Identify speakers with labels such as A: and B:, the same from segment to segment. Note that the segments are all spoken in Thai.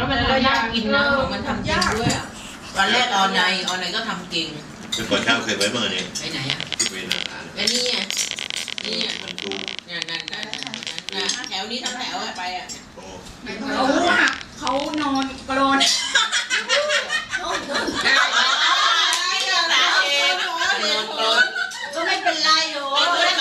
A: มันก็ยากกินนะของมันทำจริงด้วยตอนแรกออนไลน์ก็ทำเก่ง
B: เป็นก่อนเช้าเคยไว้เมื่อเนี่ย
A: ไปไหนอ่ะ
B: ที่เวนาทาน
A: ไอ้นี่ไงนี่
B: มันดู
A: นั่นแถวนี้ทั้งแถวไปอ่ะ
C: เขานอนกรนก็ไม่เป็นไรหรอก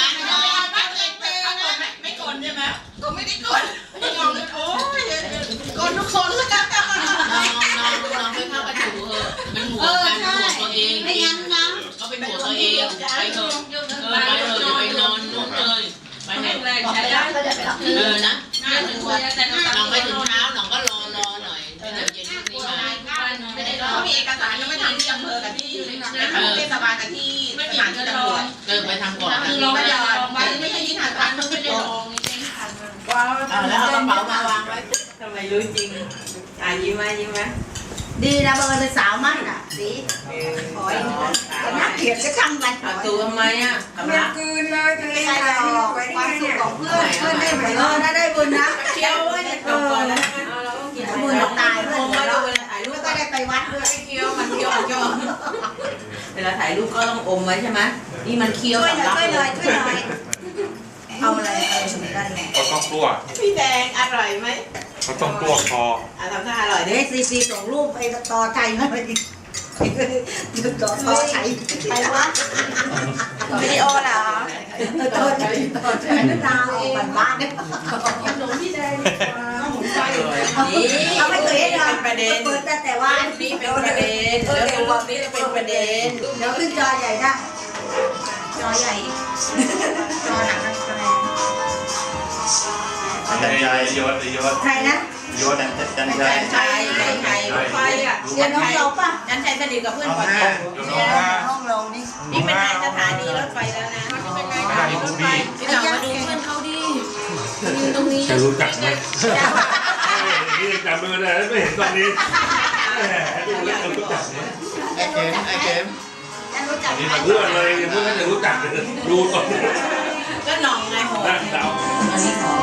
C: ไม่กดใช่ไหมก็ไม่ได้กดยอมโอ้ยกดทุกคนแล้วกัน
A: ลองไปเข้ากระถูเถอะมันหัวกันหัวตัวเอง
C: ไม่งั้นนะ
A: ก็เป็นหัวตัวเองไปเถอะไปเถอะไปนอนนู่นเลยไปไหนแรกใช้ได้นะลองไปถึงเช้าหนองก็รอหน่อยเย็นนี้มา
C: ไม่ได้เขามีเอกสารยังไม่ทำที่อำเภอกับที่เทศบาลกับที่สถานที่ตำรวจ
A: ไปทำก่อน
C: คือเราไม่ได้ลองไว้ไม่ใช่ที่ฐานทันมันไม่ได้ลองนี่เป็นฐาน
A: ว้าวแล้วเอากระเป๋ามาวางไว้ทำไมรู้จริงยิ้มไหม
C: ดีนะเบอร์เป็นสาวมั่นอ่ะสีขอยนักเขียนจะทำมัน
A: ตูทำไมอ่ะ
C: ไม่คืนเลยจะไม่ได้หรอกความสุขของเพื่อนได้ไหมได้บุญนะ
A: เที่ยวไว้ก่อนแล้ว
C: บุญตายเพื่อนเราแล้วก็ได้ไปวัดด้วย
A: เคี้ยวมันเคี้ยวเวลาถ่ายรูปก็ต้องอมไว้ใช่ไหมนี่มันเคี้ยว
C: ช่วยหน่อยเอาอะไรสมุนไพรไง
D: เขาต้องตัว
A: พี่แดงอร่อยไหม
D: เขาต้องตัวคอ
A: ทำท่าอร่อย
C: ดิซีส่งรูปไปต่อใจมาไปต่อใจไปวัด
A: วิดีโอเหรอ
C: ต่อใจดาวบ้านเนี่ยหลวงพี่แดงเขาไม่เคยให้เรา
A: ประเด็น
C: แต่ว่า
A: นี่เป็นประเด็นแล้วรอบนี้จะเป็นประเด็น
C: เดี๋ยวขึ้นจอใหญ่ได้จอใหญ่จอหนักแสดง
B: จันชัย
D: ยศ
C: ใครนะ
B: ยศจันชัย
A: ไฟอ่ะ
C: เดี๋ยวน้องเราป่ะ
A: จันชัยสนิทกับเพื่อนก่อน
C: ห้องเรานี่
A: นี่เป็นนายสถานีรถไฟแล้วนะเป็นนายสถานีรถไฟที่เรามาดูเพื่อนเขาดิตรงนี้
D: จะรู้จักไหมนี่จำไม่ได้ไม่เห็นตอนนี้จะรู้จักไหม
B: ไอเกม
D: นี่มาเพื่อนเลยเพื่อนจะรู้จักดูตอนนี้
A: ก็หน่องไงโห
D: น่าเดา
A: อันนี้ขอ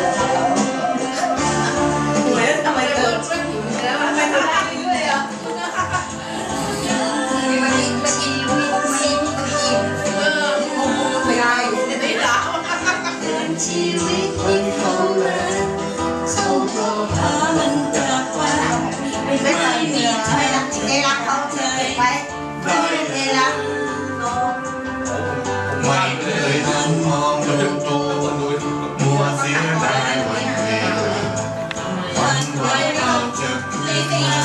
A: เหมือนทำไมเกิดแล้วทำไมทำได้ด้วยอ่ะไม่ได้ไม่ได้
C: ชีวิตที่เขาเลยเขาก็พามันจากไปไม่เคยมีใช่รักเอรักเขาเคยไปไม่เอรัก
E: ไม่เคยหันมองดูตัวมัวเสียดายวันเวลาวันไว้เราจะไม่เคย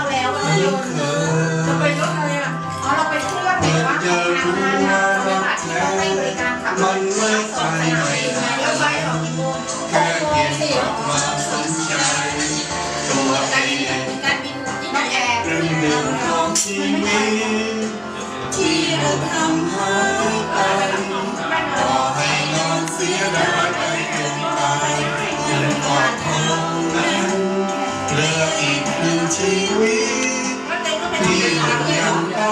C: จะไปรถอะไรอ่ะอ๋อเราไปเครื่องไหนวะ
E: จะรู้ว่ารักแท้มันไม่ไปไหนแค่เพียงกลับมาสนใจตัวเองเป็นหนึ่งของชีวิตที่เราทำหายไปต่อให้นอนเสียดายไปจนตายยังกอดเท่านั้นเหลืออีกหนึ่งชีวิตที่ยังต้อง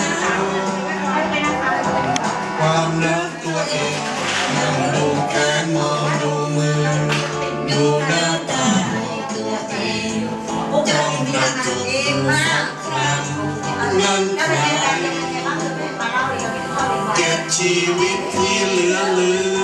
E: ความรักตัวเองนั่งดูแขนมองดูมือดูหน้าตาของตัวเองจ้องรักตัวเองสักครั้งนั่นใครเก็บชีวิตที่เหลือ